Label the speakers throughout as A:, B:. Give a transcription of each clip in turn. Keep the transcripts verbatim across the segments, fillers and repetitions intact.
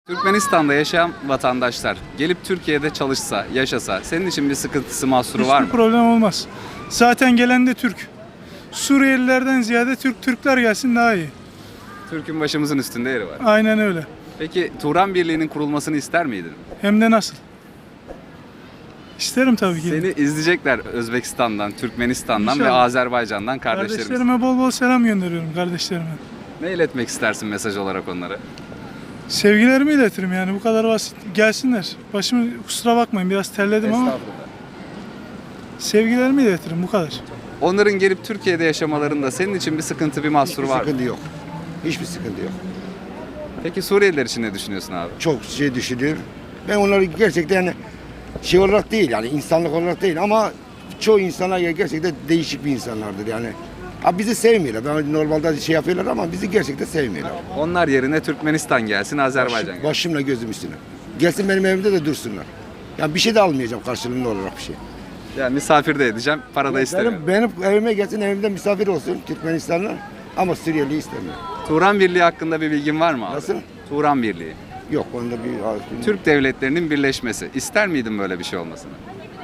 A: Türkmenistan'da yaşayan vatandaşlar gelip Türkiye'de çalışsa, yaşasa senin için bir sıkıntısı, mahsuru var mı?
B: Hiçbir problem olmaz. Zaten gelen de Türk. Suriyelilerden ziyade Türk Türkler gelsin daha iyi.
A: Türk'ün başımızın üstünde yeri var.
B: Aynen öyle.
A: Peki Turan Birliği'nin kurulmasını ister miydin?
B: Hem de nasıl? İsterim tabii ki.
A: Seni izleyecekler Özbekistan'dan, Türkmenistan'dan ve
B: İnşallah.
A: Azerbaycan'dan kardeşlerimiz.
B: Kardeşlerime bol bol selam gönderiyorum kardeşlerime.
A: Ne iletmek istersin mesaj olarak onlara?
B: Sevgilerimi iletirim yani bu kadar basit. Gelsinler. Başımı kusura bakmayın biraz terledim ama sevgilerimi iletirim bu kadar.
A: Onların gelip Türkiye'de yaşamalarında senin için bir sıkıntı, bir mahsur
C: Hiçbir
A: var mı?
C: sıkıntı yok. Hiçbir sıkıntı yok.
A: Peki Suriyeliler için ne düşünüyorsun abi?
C: Çok şey düşünüyor. Ben onları gerçekten yani şey olarak değil yani insanlık olarak değil ama çoğu insanlar gerçekten değişik bir insanlardır yani. Ha bizi sevmiyorlar. Ben normalde şey yapıyorlar ama bizi gerçekten sevmiyorlar.
A: Onlar yerine Türkmenistan gelsin, Azerbaycan gelsin.
C: Başımla gözüm üstüne. Gelsin benim evimde de dursunlar. Yani bir şey de almayacağım karşılığında olarak bir şey.
A: Yani misafir de edeceğim, para da istemiyorum.
C: Benim, benim evime gelsin evimde misafir olsun Türkmenistanlar ama Suriyeli istemiyor.
A: Turan Birliği hakkında bir bilgin var mı abi?
C: Nasıl?
A: Turan Birliği.
C: Yok onda bir...
A: Türk devletlerinin birleşmesi. İster miydin böyle bir şey olmasını?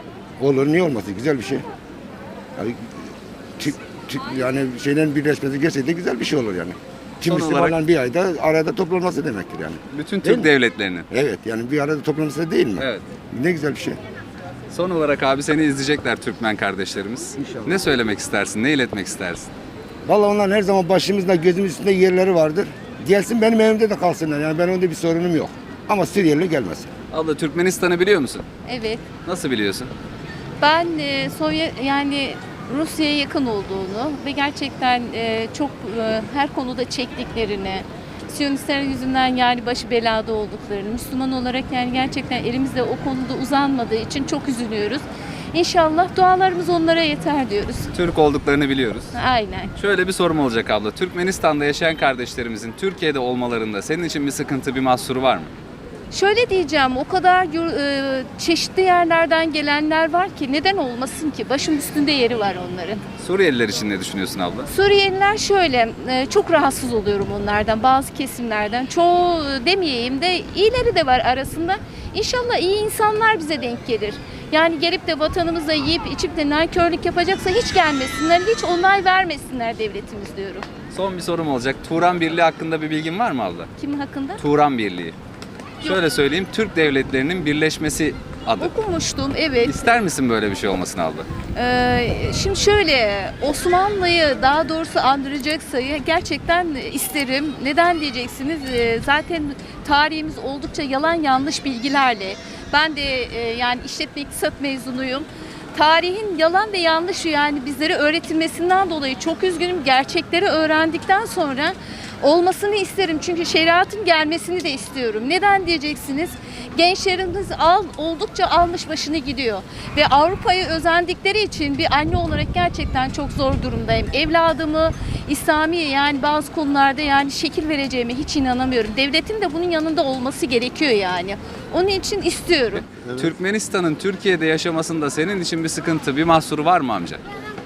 C: Olur niye olmasın güzel bir şey. Yani, Türk, Türk, yani şeylerin birleşmesi gerçekten güzel bir şey olur yani. Tüm
A: Son
C: Müslümanların
A: olarak-
C: bir ayda arada toplanması demektir yani.
A: Bütün
C: Değil
A: Türk
C: mi?
A: devletlerinin.
C: Evet yani bir arada toplanması değil mi?
A: Evet.
C: Ne güzel bir şey.
A: Son olarak abi seni izleyecekler Türkmen kardeşlerimiz.
C: İnşallah.
A: Ne söylemek istersin? Ne iletmek istersin?
C: Vallahi onlar her zaman başımızda gözümüz üstünde yerleri vardır. Gelsin benim evimde de kalsınlar yani ben onda bir sorunum yok. Ama Suriyeli gelmesin.
A: Abla Türkmenistan'ı biliyor musun?
D: Evet.
A: Nasıl biliyorsun?
D: Ben e, Sovyet yani Rusya'ya yakın olduğunu ve gerçekten e, çok e, her konuda çektiklerini, Siyonistler yüzünden yani başı belada olduklarını, Müslüman olarak yani gerçekten elimizde o konuda uzanmadığı için çok üzülüyoruz. İnşallah dualarımız onlara yeter diyoruz.
A: Türk olduklarını biliyoruz.
D: Aynen.
A: Şöyle bir sorum olacak abla. Türkmenistan'da yaşayan kardeşlerimizin Türkiye'de olmalarında senin için bir sıkıntı, bir mahsuru var mı?
D: Şöyle diyeceğim, o kadar yur- e, çeşitli yerlerden gelenler var ki neden olmasın ki? Başım üstünde yeri var onların.
A: Suriyeliler için ne düşünüyorsun abla?
D: Suriyeliler şöyle, e, çok rahatsız oluyorum onlardan, bazı kesimlerden. Çoğu e, demeyeyim de iyileri de var arasında. İnşallah iyi insanlar bize denk gelir. Yani gelip de vatanımızda yiyip içip de nankörlük yapacaksa hiç gelmesinler, hiç onay vermesinler devletimiz diyorum.
A: Son bir sorum olacak. Turan Birliği hakkında bir bilgin var mı abla?
D: Kimin hakkında?
A: Turan Birliği. Şöyle söyleyeyim, Türk devletlerinin birleşmesi adı.
D: Okumuştum, evet.
A: İster misin böyle bir şey olmasını abla?
D: Ee, şimdi şöyle, Osmanlı'yı daha doğrusu andıracaksa gerçekten isterim. Neden diyeceksiniz? Ee, zaten tarihimiz oldukça yalan yanlış bilgilerle. Ben de e, yani işletme iktisat mezunuyum. Tarihin yalan ve yanlış yani bizlere öğretilmesinden dolayı çok üzgünüm. Gerçekleri öğrendikten sonra olmasını isterim. Çünkü şeriatın gelmesini de istiyorum. Neden diyeceksiniz? Gençlerimiz al, oldukça almış başını gidiyor. Ve Avrupa'ya özendikleri için bir anne olarak gerçekten çok zor durumdayım. Evladımı İslami yani bazı konularda yani şekil vereceğime hiç inanamıyorum. Devletin de bunun yanında olması gerekiyor yani. Onun için istiyorum.
A: Türkmenistan'ın Türkiye'de yaşamasında senin için bir sıkıntı, bir mahsuru var mı amca?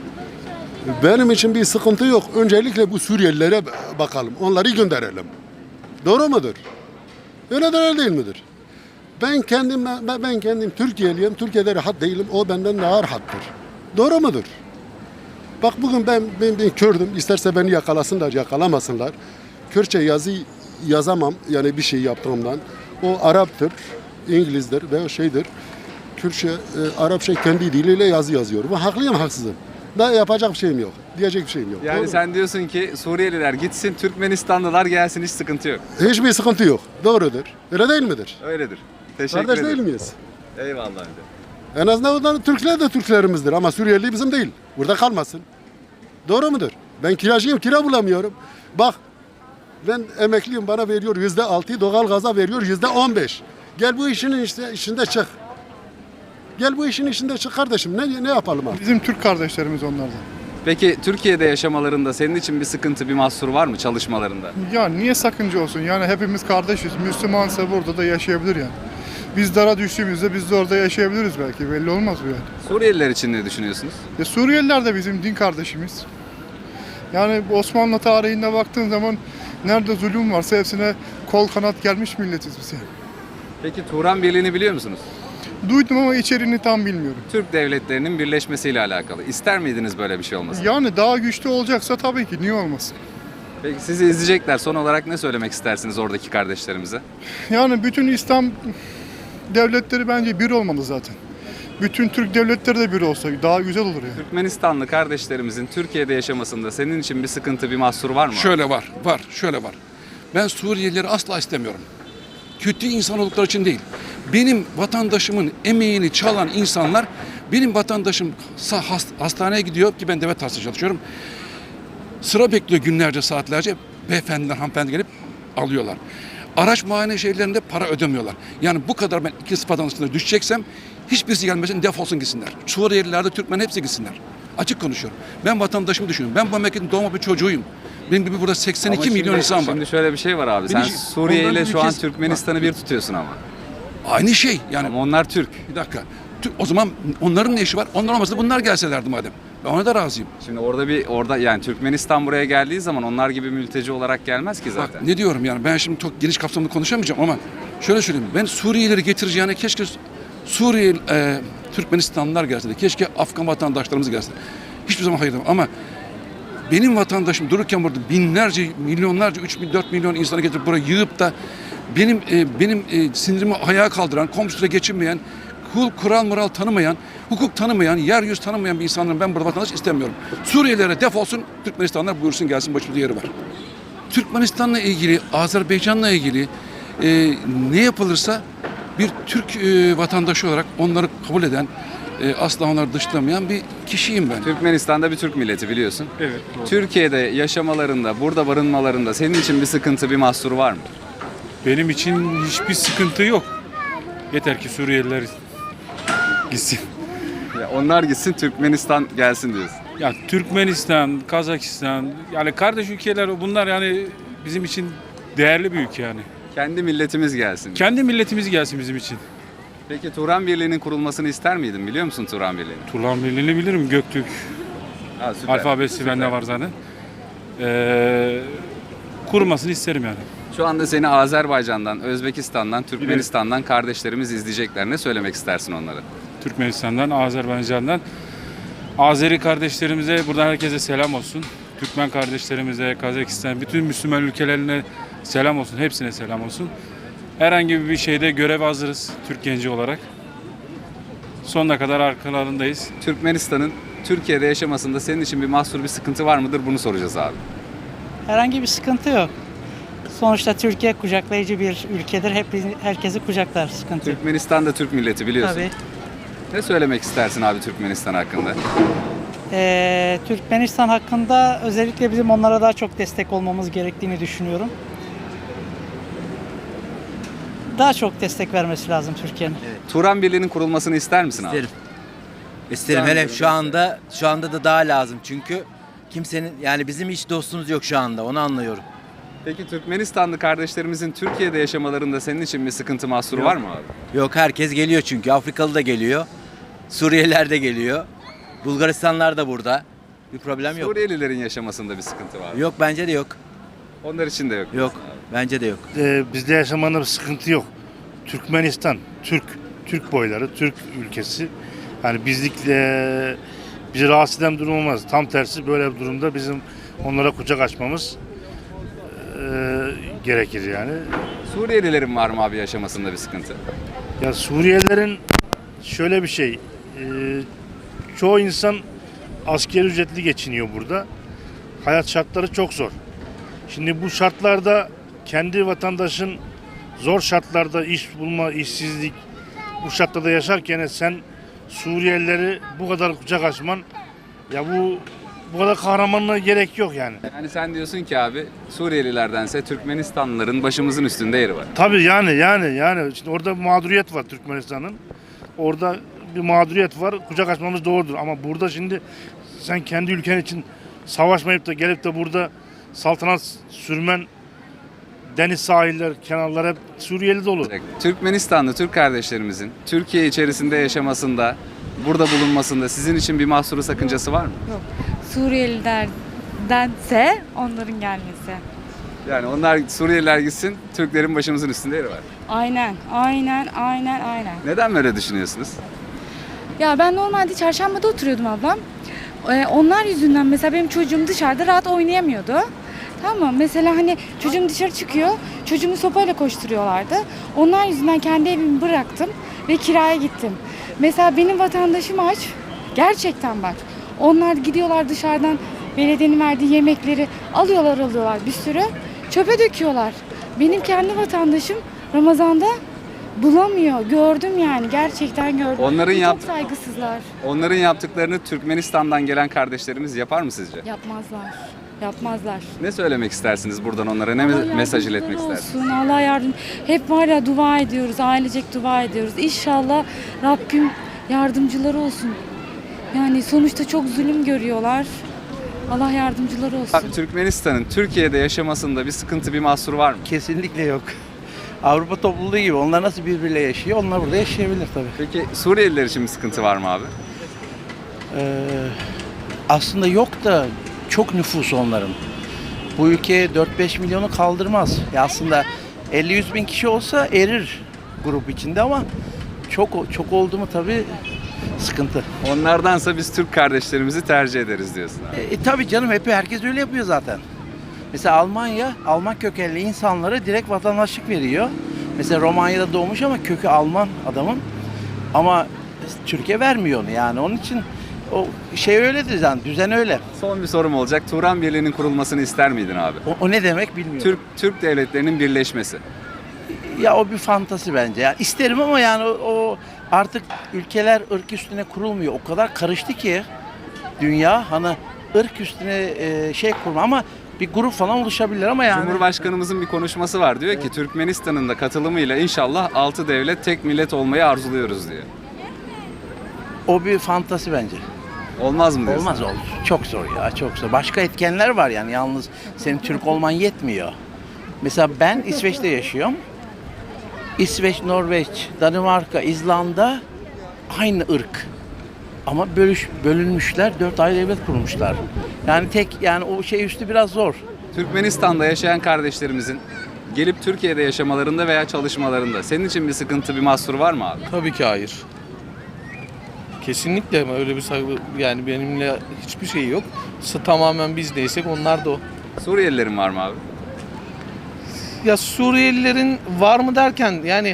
E: Benim için bir sıkıntı yok. Öncelikle bu Suriyelilere bakalım. Onları gönderelim. Doğru mudur? Öyle de değil midir? Ben kendim ben, ben kendim Türkiye'liyim. Türkiye'de rahat değilim. O benden daha rahattır. Doğru mudur? Bak bugün ben ben, ben Kürdüm. İsterse beni yakalasınlar, yakalamasınlar. Kürtçe yazı yazamam. Yani bir şey yaptığımdan. O Arap'tır, İngilizdir ve şeydir. Kürtçe, e, Arapça kendi diliyle yazı yazıyor. Bu haklıyım, haksızım. Daha yapacak bir şeyim yok. Diyecek bir şeyim yok.
A: Yani
E: Doğru
A: sen diyorsun ki Suriyeliler gitsin, Türkmenistanlılar gelsin, hiç sıkıntı yok.
E: mu? Hiçbir sıkıntı yok. Doğrudur. Öyle değil midir?
A: Öyledir. Teşekkür
E: Kardeş
A: ederim.
E: değil miyiz?
A: Eyvallah amca.
E: En azından onların Türkler de Türklerimizdir ama Suriyeli bizim değil. Burada kalmasın. Doğru mudur? Ben kiracıyım, kira bulamıyorum. Bak ben emekliyim, bana veriyor yüzde altı, doğalgaza veriyor yüzde on beş. Gel bu işin işte içinde çık. Gel bu işin içinde çık kardeşim. Ne ne yapalım abi?
B: Bizim Türk kardeşlerimiz onlardan.
A: Peki Türkiye'de yaşamalarında senin için bir sıkıntı, bir mahsur var mı çalışmalarında?
B: Ya niye sakınca olsun? Yani hepimiz kardeşiz. Müslümansa burada da yaşayabilir yani. Biz dara düştüğümüzde biz de orada yaşayabiliriz belki. Belli olmaz bu yani.
A: Suriyeliler için ne düşünüyorsunuz?
B: Ya Suriyeliler de bizim din kardeşimiz. Yani Osmanlı tarihinde baktığın zaman nerede zulüm varsa hepsine kol kanat gelmiş milletiz biz yani.
A: Peki Turan Birliği'ni biliyor musunuz?
B: Duydum ama içeriğini tam bilmiyorum.
A: Türk devletlerinin birleşmesiyle alakalı. İster miydiniz böyle bir şey olmasını?
B: Yani daha güçlü olacaksa tabii ki niye olmasın?
A: Peki sizi izleyecekler. Son olarak ne söylemek istersiniz oradaki kardeşlerimize?
B: Yani bütün İslam devletleri bence bir olmalı zaten. Bütün Türk devletleri de bir olsa daha güzel olur yani.
A: Türkmenistanlı kardeşlerimizin Türkiye'de yaşamasında senin için bir sıkıntı, bir mahsur var mı?
F: Şöyle var, var, şöyle var. Ben Suriyelileri asla istemiyorum. Kötü insan oldukları için değil. Benim vatandaşımın emeğini çalan insanlar, benim vatandaşım sa- hast- hastaneye gidiyor ki ben devlet hastanede çalışıyorum. Sıra bekliyor günlerce, saatlerce. Beyefendiler, hanımefendi gelip alıyorlar. Araç muayene şeylerinde para ödemiyorlar. Yani bu kadar ben iki sıfatın üstüne düşeceksem hiçbirisi gelmesin, defolsun gitsinler. Suriyeliler de Türkmen hepsi gitsinler. Açık konuşuyorum. Ben vatandaşımı düşünüyorum. Ben bu memleketin doğma bir çocuğuyum. Benim gibi burada seksen iki
A: Ama
F: milyon
A: şimdi-
F: insan var.
A: Şimdi şöyle bir şey var abi. Sen
F: Birinci-
A: Suriye
F: ondan
A: ile
F: bir
A: şu an
F: kez-
A: Türkmenistan'ı bir tutuyorsun ama.
F: Aynı şey yani.
A: Ama onlar Türk.
F: Bir dakika. Tü- O zaman onların ne işi var? Onlar olmasa bunlar gelselerdi madem. Ben ona da razıyım.
A: Şimdi orada bir orada yani Türkmenistan buraya geldiği zaman onlar gibi mülteci olarak gelmez ki zaten.
F: Bak ne diyorum yani ben şimdi çok geniş kapsamlı konuşamayacağım ama şöyle söyleyeyim. Ben Suriyelileri getireceğine keşke Suriye e, Türkmenistanlılar gelse de keşke Afgan vatandaşlarımız gelse. Hiçbir zaman hayır demem ama benim vatandaşım dururken burada binlerce, milyonlarca, üç milyon, dört milyon insanı getirip buraya yığıp da benim e, benim e, sinirimi ayağa kaldıran, komşusuyla geçinmeyen, kul, kural, moral tanımayan, hukuk tanımayan, yer yüz tanımayan bir insanların ben burada vatandaş istemiyorum. Suriyelilere defolsun, Türkmenistanlar buyursun gelsin, başımızda yeri var. Türkmenistan'la ilgili, Azerbaycan'la ilgili e, ne yapılırsa bir Türk e, vatandaşı olarak onları kabul eden, e, asla onları dışlamayan bir kişiyim ben.
A: Türkmenistan'da bir Türk milleti biliyorsun.
G: Evet.
A: Türkiye'de yaşamalarında, burada barınmalarında senin için bir sıkıntı, bir mahsur var mı?
G: Benim için hiçbir sıkıntı yok. Yeter ki Suriyeliler gitsin.
A: Ya onlar gitsin, Türkmenistan gelsin diyorsun.
G: Ya Türkmenistan, Kazakistan yani kardeş ülkeler bunlar yani bizim için değerli bir ülke yani.
A: Kendi milletimiz gelsin.
G: Kendi milletimiz gelsin bizim için.
A: Peki Turan Birliği'nin kurulmasını ister miydin? Biliyor musun Turan Birliği'ni?
G: Turan Birliği'ni bilirim. Göktürk
A: Ha, süper.
G: alfabesi
A: Süper.
G: bende var zaten. Ee, kurmasını isterim yani.
A: Şu anda seni Azerbaycan'dan, Özbekistan'dan, Türkmenistan'dan kardeşlerimiz izleyecekler. Ne söylemek istersin onlara?
G: Türkmenistan'dan, Azerbaycan'dan. Azeri kardeşlerimize buradan herkese selam olsun. Türkmen kardeşlerimize, Kazakistan, bütün Müslüman ülkelerine selam olsun. Hepsine selam olsun. Herhangi bir şeyde görev hazırız Türk genci olarak. Sonuna kadar arkalarındayız.
A: Türkmenistan'ın Türkiye'de yaşamasında senin için bir mahsur, bir sıkıntı var mıdır? Bunu soracağız abi.
H: Herhangi bir sıkıntı yok. Sonuçta Türkiye kucaklayıcı bir ülkedir. Hep herkesi kucaklar. Sıkıntı yok.
A: Türkmenistan da Türk milleti biliyorsun.
H: Tabii.
A: Ne söylemek istersin abi Türkmenistan hakkında?
H: Ee, Türkmenistan hakkında özellikle bizim onlara daha çok destek olmamız gerektiğini düşünüyorum. Daha çok destek vermesi lazım Türkiye'nin.
A: Turan Birliği'nin kurulmasını ister misin abi?
I: İsterim. İsterim. Hele şu anda şu anda da daha lazım. Çünkü kimsenin yani bizim hiç dostumuz yok şu anda. Onu anlıyorum.
A: Peki Türkmenistanlı kardeşlerimizin Türkiye'de yaşamalarında senin için bir sıkıntı, mahsuru var mı abi?
I: Yok herkes geliyor çünkü. Afrikalı da geliyor. Suriyeliler de geliyor. Bulgaristanlar da burada. Bir problem yok.
A: Suriyelilerin yaşamasında bir sıkıntı var mı?
I: Yok bence de yok.
A: Onlar için de yok.
I: Yok. Bence de yok.
J: Ee, bizde yaşamanda bir sıkıntı yok. Türkmenistan, Türk, Türk boyları, Türk ülkesi. Yani bizlikle bizi rahatsız eden durum olmaz. Tam tersi böyle bir durumda bizim onlara kucak açmamız e, gerekir yani.
A: Suriyelilerin var mı abi yaşamasında bir sıkıntı?
J: Ya Suriyelilerin şöyle bir şey, e, çoğu insan asgari ücretli geçiniyor burada. Hayat şartları çok zor. Şimdi bu şartlarda kendi vatandaşın zor şartlarda iş bulma, işsizlik bu şartlarda yaşarken sen Suriyelileri bu kadar kucak açman ya bu bu kadar kahramanlığa gerek yok yani.
A: Yani sen diyorsun ki abi Suriyelilerdense Türkmenistanlıların başımızın üstünde yeri var.
J: Tabii yani yani yani şimdi orada bir mağduriyet var Türkmenistan'ın. Orada bir mağduriyet var. Kucak açmamız doğrudur ama burada şimdi sen kendi ülken için savaşmayıp da gelip de burada saltanat sürmen deniz sahiller, kenarlar hep Suriyeli dolu.
A: Türkmenistanlı Türk kardeşlerimizin Türkiye içerisinde yaşamasında, burada bulunmasında sizin için bir mahsuru, sakıncası var mı?
K: Suriyelilerdense onların gelmesi.
A: Yani onlar Suriyeliler gitsin, Türklerin başımızın üstünde yeri var.
K: Aynen, aynen, aynen, aynen.
A: Neden böyle düşünüyorsunuz?
K: Ya ben normalde çarşambada oturuyordum ablam. Ee, onlar yüzünden mesela benim çocuğum dışarıda rahat oynayamıyordu. Tamam mı? Mesela hani çocuğum dışarı çıkıyor, çocuğumu sopayla koşturuyorlardı. Onlar yüzünden kendi evimi bıraktım ve kiraya gittim. Mesela benim vatandaşım aç, gerçekten bak. Onlar gidiyorlar dışarıdan belediyenin verdiği yemekleri alıyorlar alıyorlar bir sürü, çöpe döküyorlar. Benim kendi vatandaşım Ramazan'da bulamıyor. Gördüm yani. Gerçekten gördüm.
A: Onların
K: Çok
A: yap-
K: saygısızlar.
A: Onların yaptıklarını Türkmenistan'dan gelen kardeşlerimiz yapar mı sizce?
K: Yapmazlar. Yapmazlar.
A: Ne söylemek istersiniz buradan onlara? Ne
K: Allah
A: me- mesaj iletmek
K: yardımcıları
A: istersiniz?
K: olsun. Allah yardım. Hep var ya dua ediyoruz. Ailecek dua ediyoruz. İnşallah Rabbim yardımcıları olsun. Yani sonuçta çok zulüm görüyorlar. Allah yardımcıları olsun.
A: Abi, Türkmenistan'ın Türkiye'de yaşamasında bir sıkıntı, bir mahsur var mı?
L: Kesinlikle yok. Avrupa topluluğu gibi. Onlar nasıl birbiriyle yaşıyor? Onlar burada yaşayabilir tabii.
A: Peki Suriyeliler için bir sıkıntı var mı abi?
L: Ee, aslında yok da çok nüfus onların. Bu ülke dört beş milyonu kaldırmaz. Ya aslında elli yüz bin kişi olsa erir grup içinde ama çok çok oldu mu tabii sıkıntı.
A: Onlardansa biz Türk kardeşlerimizi tercih ederiz diyorsun abi.
L: E, e, tabii canım hep herkes öyle yapıyor zaten. Mesela Almanya, Alman kökenli insanlara direkt vatandaşlık veriyor. Mesela Romanya'da doğmuş ama kökü Alman adamın. Ama Türkiye vermiyor onu yani. Onun için o şey öyledir yani, düzen öyle.
A: Son bir sorum olacak. Turan Birliği'nin kurulmasını ister miydin abi?
L: O, o ne demek bilmiyorum.
A: Türk Türk devletlerinin birleşmesi.
L: Ya o bir fantasi bence. Yani isterim ama yani o, o artık ülkeler ırk üstüne kurulmuyor. O kadar karıştı ki dünya hani ırk üstüne e, şey kurma ama bir grup falan oluşabilir ama yani.
A: Cumhurbaşkanımızın bir konuşması var. Diyor ki Türkmenistan'ın da katılımıyla inşallah altı devlet tek millet olmayı arzuluyoruz diyor.
L: O bir fantasi bence.
A: Olmaz mı diyorsun?
L: Olmaz olur. Çok zor ya çok zor. Başka etkenler var yani yalnız senin Türk olman yetmiyor. Mesela ben İsveç'te yaşıyorum. İsveç, Norveç, Danimarka, İzlanda aynı ırk. Ama bölüş, bölünmüşler, dört ayrı devlet kurmuşlar. Yani tek yani o şey üstü biraz zor.
A: Türkmenistan'da yaşayan kardeşlerimizin gelip Türkiye'de yaşamalarında veya çalışmalarında senin için bir sıkıntı, bir mahsur var mı abi?
M: Tabii ki hayır. Kesinlikle ama öyle bir saygı yani benimle hiçbir şey yok. S- Tamamen biz neysek onlar da o.
A: Suriyelilerin var mı abi?
M: Ya Suriyelilerin var mı derken yani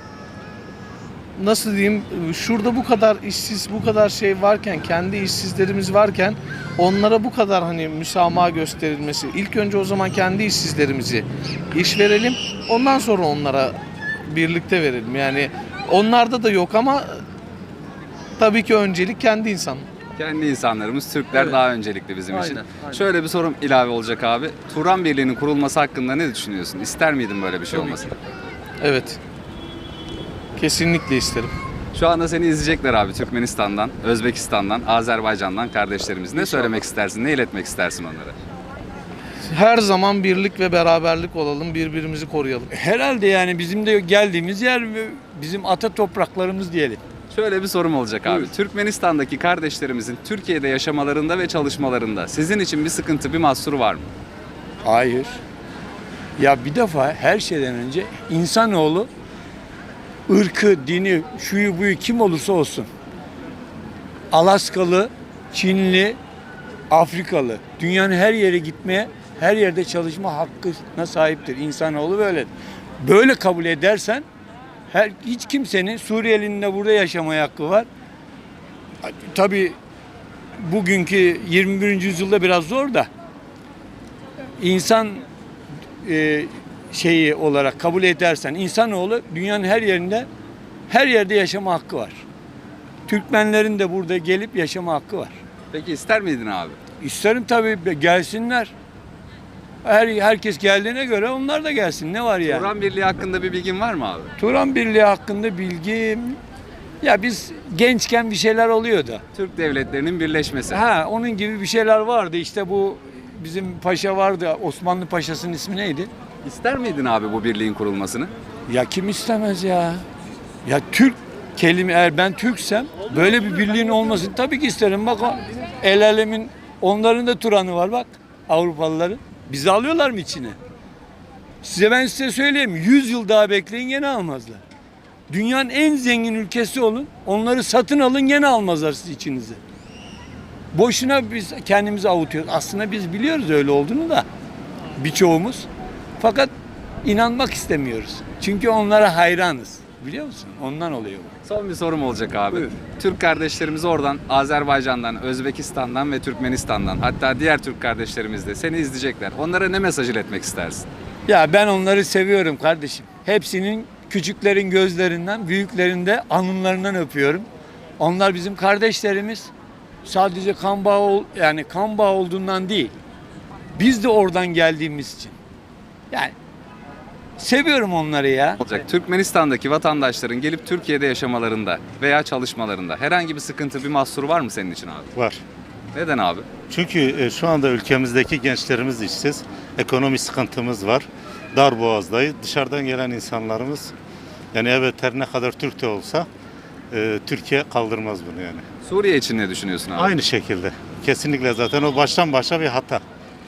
M: nasıl diyeyim şurada bu kadar işsiz bu kadar şey varken kendi işsizlerimiz varken onlara bu kadar hani müsamaha gösterilmesi ilk önce o zaman kendi işsizlerimizi iş verelim ondan sonra onlara birlikte verelim yani onlarda da yok ama tabii ki öncelik kendi insan.
A: Kendi insanlarımız, Türkler
M: Evet.
A: daha öncelikli bizim için.
M: Aynen, aynen.
A: Şöyle bir sorum ilave olacak abi. Turan Birliği'nin kurulması hakkında ne düşünüyorsun? İster miydin böyle bir şey
M: Tabii
A: olmasını?
M: Evet. Kesinlikle isterim.
A: Şu anda seni izleyecekler abi Türkmenistan'dan, Özbekistan'dan, Azerbaycan'dan kardeşlerimiz. Ne
M: İnşallah.
A: söylemek istersin, ne iletmek istersin onlara?
M: Her zaman birlik ve beraberlik olalım, birbirimizi koruyalım.
N: Herhalde yani bizim de geldiğimiz yer bizim ata topraklarımız diyelim.
A: Şöyle bir sorum olacak abi. Türkmenistan'daki kardeşlerimizin Türkiye'de yaşamalarında ve çalışmalarında sizin için bir sıkıntı, bir mahsuru var mı?
N: Hayır. Ya bir defa her şeyden önce insanoğlu ırkı, dini, şuyu buyu kim olursa olsun. Alaskalı, Çinli, Afrikalı. Dünyanın her yere gitmeye, her yerde çalışma hakkına sahiptir. İnsanoğlu böyle. Böyle kabul edersen her, hiç kimsenin Suriyelinin de burada yaşamaya hakkı var. Tabii bugünkü yirmi birinci yüzyılda biraz zor da insan e, şeyi olarak kabul edersen insanoğlu dünyanın her yerinde her yerde yaşama hakkı var. Türkmenlerin de burada gelip yaşama hakkı var.
A: Peki ister miydin abi?
N: İsterim tabii gelsinler. Her herkes geldiğine göre onlar da gelsin. Ne var yani?
A: Turan Birliği hakkında bir bilgin var mı abi?
N: Turan Birliği hakkında bilgim ya biz gençken bir şeyler oluyordu.
A: Türk devletlerinin birleşmesi.
N: Ha onun gibi bir şeyler vardı. İşte bu bizim paşa vardı. Osmanlı Paşası'nın ismi neydi?
A: İster miydin abi bu birliğin kurulmasını?
N: Ya kim istemez ya? Ya Türk kelime eğer ben Türksem böyle bir birliğin olmasını tabii ki isterim. Bak o el alemin onların da Turan'ı var bak Avrupalıların. Bizi alıyorlar mı içine? Size ben size söyleyeyim, yüz yıl daha bekleyin gene almazlar. Dünyanın en zengin ülkesi olun, onları satın alın gene almazlar siz içinize. Boşuna biz kendimizi avutuyoruz. Aslında biz biliyoruz öyle olduğunu da birçoğumuz. Fakat inanmak istemiyoruz. Çünkü onlara hayranız. Biliyor musun? Ondan oluyor bu.
A: Son bir sorum olacak abi.
N: Buyur.
A: Türk kardeşlerimiz oradan Azerbaycan'dan, Özbekistan'dan ve Türkmenistan'dan, hatta diğer Türk kardeşlerimiz de seni izleyecekler. Onlara ne mesaj iletmek istersin?
N: Ya ben onları seviyorum kardeşim. Hepsinin, küçüklerin gözlerinden, büyüklerin de alnlarından öpüyorum. Onlar bizim kardeşlerimiz. Sadece kan bağı ol- yani kan bağı olduğundan değil. Biz de oradan geldiğimiz için. Yani seviyorum onları ya.
A: Olacak. Türkmenistan'daki vatandaşların gelip Türkiye'de yaşamalarında veya çalışmalarında herhangi bir sıkıntı, bir mahsur var mı senin için abi?
O: Var.
A: Neden abi?
O: Çünkü e, şu anda ülkemizdeki gençlerimiz işsiz. Ekonomi sıkıntımız var. Darboğaz'dayız. Dışarıdan gelen insanlarımız, yani evet her ne kadar Türk de olsa e, Türkiye kaldırmaz bunu yani.
A: Suriye için ne düşünüyorsun abi?
O: Aynı şekilde. Kesinlikle zaten o baştan başa bir hata.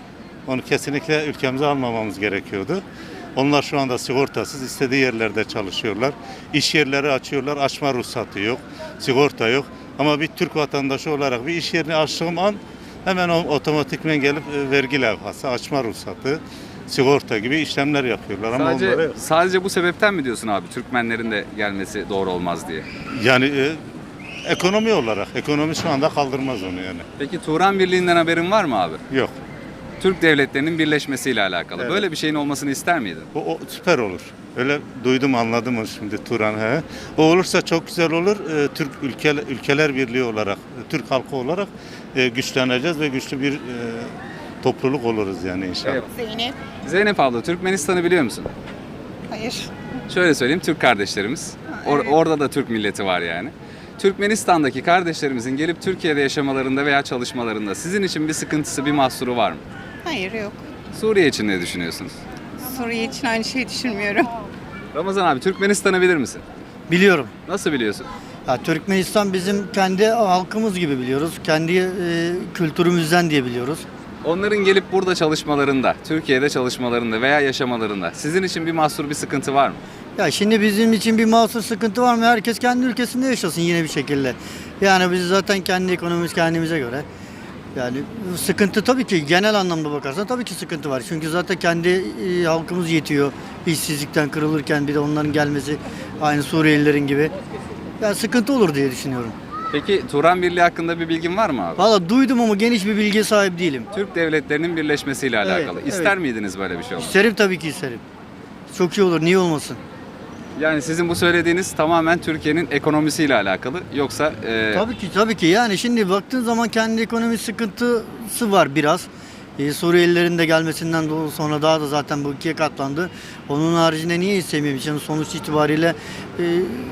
O: Onu kesinlikle ülkemize almamamız gerekiyordu. Onlar şu anda sigortasız istediği yerlerde çalışıyorlar. İş yerleri açıyorlar, açma ruhsatı yok, sigorta yok. Ama bir Türk vatandaşı olarak bir iş yerini açtığım an hemen o otomatikmen gelip e, vergi levhası, açma ruhsatı, sigorta gibi işlemler yapıyorlar. Ama
A: Sadece,
O: onları,
A: sadece bu sebepten mi diyorsun abi Türkmenlerin de gelmesi doğru olmaz diye?
O: yani e, ekonomi olarak, ekonomi şu anda kaldırmaz onu yani.
A: Peki Turan Birliği'nden haberin var mı abi?
O: Yok.
A: Türk devletlerinin birleşmesiyle alakalı.
O: Evet.
A: Böyle bir şeyin olmasını ister miydin?
O: O, o süper olur. Öyle duydum, anladım onu şimdi Turan. He. O olursa çok güzel olur. Ee, Türk ülke, ülkeler birliği olarak, Türk halkı olarak e, güçleneceğiz ve güçlü bir e, topluluk oluruz yani inşallah.
A: Evet.
P: Zeynep.
A: Zeynep abla, Türkmenistan'ı biliyor musun?
P: Hayır.
A: Şöyle söyleyeyim, Türk kardeşlerimiz. Or- Orada da Türk milleti var yani. Türkmenistan'daki kardeşlerimizin gelip Türkiye'de yaşamalarında veya çalışmalarında sizin için bir sıkıntısı, bir mahsuru var mı?
P: Hayır yok.
A: Suriye için ne düşünüyorsunuz?
P: Suriye için aynı şeyi düşünmüyorum.
A: Ramazan abi, Türkmenistan'ı bilir misin?
Q: Biliyorum.
A: Nasıl biliyorsun?
Q: Ya, Türkmenistan bizim kendi halkımız gibi biliyoruz. Kendi e, kültürümüzden diye biliyoruz.
A: Onların gelip burada çalışmalarında, Türkiye'de çalışmalarında veya yaşamalarında sizin için bir mahsur, bir sıkıntı var mı?
Q: Ya şimdi bizim için bir mahsur sıkıntı var mı? Herkes kendi ülkesinde yaşasın yine bir şekilde. Yani biz zaten kendi ekonomimiz kendimize göre. Yani sıkıntı tabii ki genel anlamda bakarsan tabii ki sıkıntı var. Çünkü zaten kendi e, halkımız yetiyor. İşsizlikten kırılırken bir de onların gelmesi aynı Suriyelilerin gibi. Yani sıkıntı olur diye düşünüyorum.
A: Peki Turan Birliği hakkında bir bilgin var mı abi?
Q: Valla duydum ama geniş bir bilgiye sahip değilim.
A: Türk devletlerinin birleşmesiyle
Q: Evet,
A: alakalı.
Q: evet.
A: İster miydiniz böyle bir şey olmasını?
Q: İsterim tabii ki isterim. Çok iyi olur, niye olmasın?
A: Yani sizin bu söylediğiniz tamamen Türkiye'nin ekonomisiyle alakalı. Yoksa e,
Q: Tabii ki tabii ki yani şimdi baktığın zaman kendi ekonomi sıkıntısı var biraz. Ee, Suriyelilerin de gelmesinden dolayı sonra daha da zaten bu ikiye katlandı. Onun haricinde niye istemiyorum? Şimdi sonuç itibariyle e,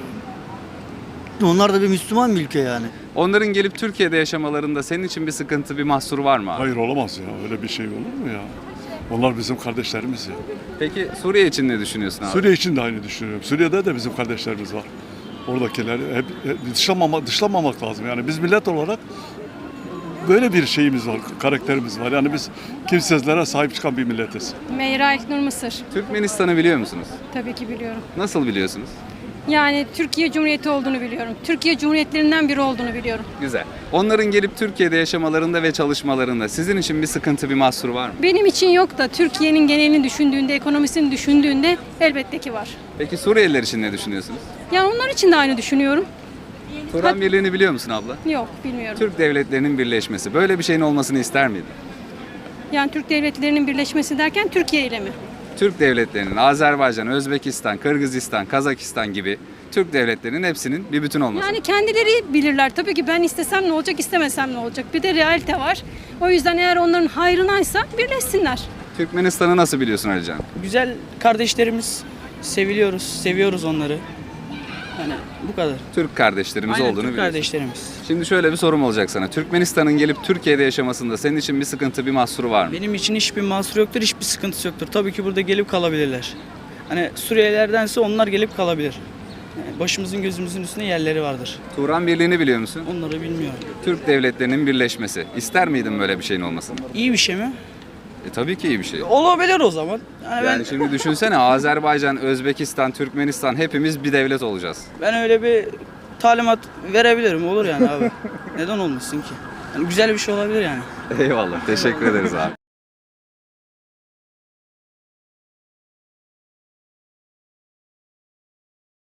Q: onlar da bir Müslüman bir ülke yani.
A: onların gelip Türkiye'de yaşamalarında senin için bir sıkıntı, bir mahsur var mı abi?
F: Hayır olamaz ya. Öyle bir şey olur mu ya? Onlar bizim kardeşlerimiz ya.
A: Peki Suriye için ne düşünüyorsun abi?
F: Suriye için de aynı düşünüyorum. Suriye'de de bizim kardeşlerimiz var. Oradakileri hep, hep dışlamamak, dışlamamak lazım. Yani biz millet olarak böyle bir şeyimiz var, karakterimiz var. Yani biz kimsesizlere sahip çıkan bir milletiz.
K: Meyra İlknur Mısır.
A: Türkmenistan'ı biliyor musunuz?
K: Tabii ki biliyorum.
A: Nasıl biliyorsunuz?
K: Yani Türkiye Cumhuriyeti olduğunu biliyorum. Türkiye Cumhuriyetlerinden biri olduğunu biliyorum.
A: Güzel. Onların gelip Türkiye'de yaşamalarında ve çalışmalarında sizin için bir sıkıntı, bir mahsur var mı?
K: Benim için yok da Türkiye'nin genelini düşündüğünde, ekonomisini düşündüğünde elbette ki var.
A: Peki Suriyeliler için ne düşünüyorsunuz?
K: Yani onlar için de aynı düşünüyorum.
A: Turan Birliği'ni biliyor musun abla?
K: Yok, bilmiyorum.
A: Türk devletlerinin birleşmesi. Böyle bir şeyin olmasını ister miydin?
K: Yani Türk devletlerinin birleşmesi derken Türkiye ile mi?
A: Türk devletlerinin Azerbaycan, Özbekistan, Kırgızistan, Kazakistan gibi Türk devletlerinin hepsinin bir bütün olması.
K: Yani kendileri bilirler. Tabii ki ben istesem ne olacak, istemesem ne olacak. Bir de realite var. O yüzden eğer onların hayrınaysa birleşsinler.
A: Türkmenistan'ı nasıl biliyorsun Alican?
H: Güzel kardeşlerimiz, seviliyoruz, seviyoruz onları. Yani bu kadar.
A: Türk kardeşlerimiz
H: Aynen,
A: olduğunu
H: Türk
A: biliyorsun.
H: kardeşlerimiz.
A: Şimdi şöyle bir sorum olacak sana. Türkmenistan'ın gelip Türkiye'de yaşamasında senin için bir sıkıntı, bir mahsuru var mı?
H: Benim için hiçbir mahsur yoktur, hiçbir sıkıntısı yoktur. Tabii ki burada gelip kalabilirler. Hani Suriyelilerdense onlar gelip kalabilir. Yani başımızın gözümüzün üstünde yerleri vardır.
A: Turan Birliği'ni biliyor musun?
H: Onları bilmiyorum.
A: Türk devletlerinin birleşmesi. İster miydin böyle bir şeyin olmasını?
H: İyi bir şey mi?
A: E tabii ki iyi bir şey.
H: Olabilir o zaman. Yani,
A: Yani
H: ben
A: şimdi düşünsene Azerbaycan, Özbekistan, Türkmenistan hepimiz bir devlet olacağız.
H: ben öyle bir talimat verebilirim. Olur yani abi. Neden olmasın ki? Yani güzel bir şey olabilir yani.
A: Eyvallah. Teşekkür ederiz abi.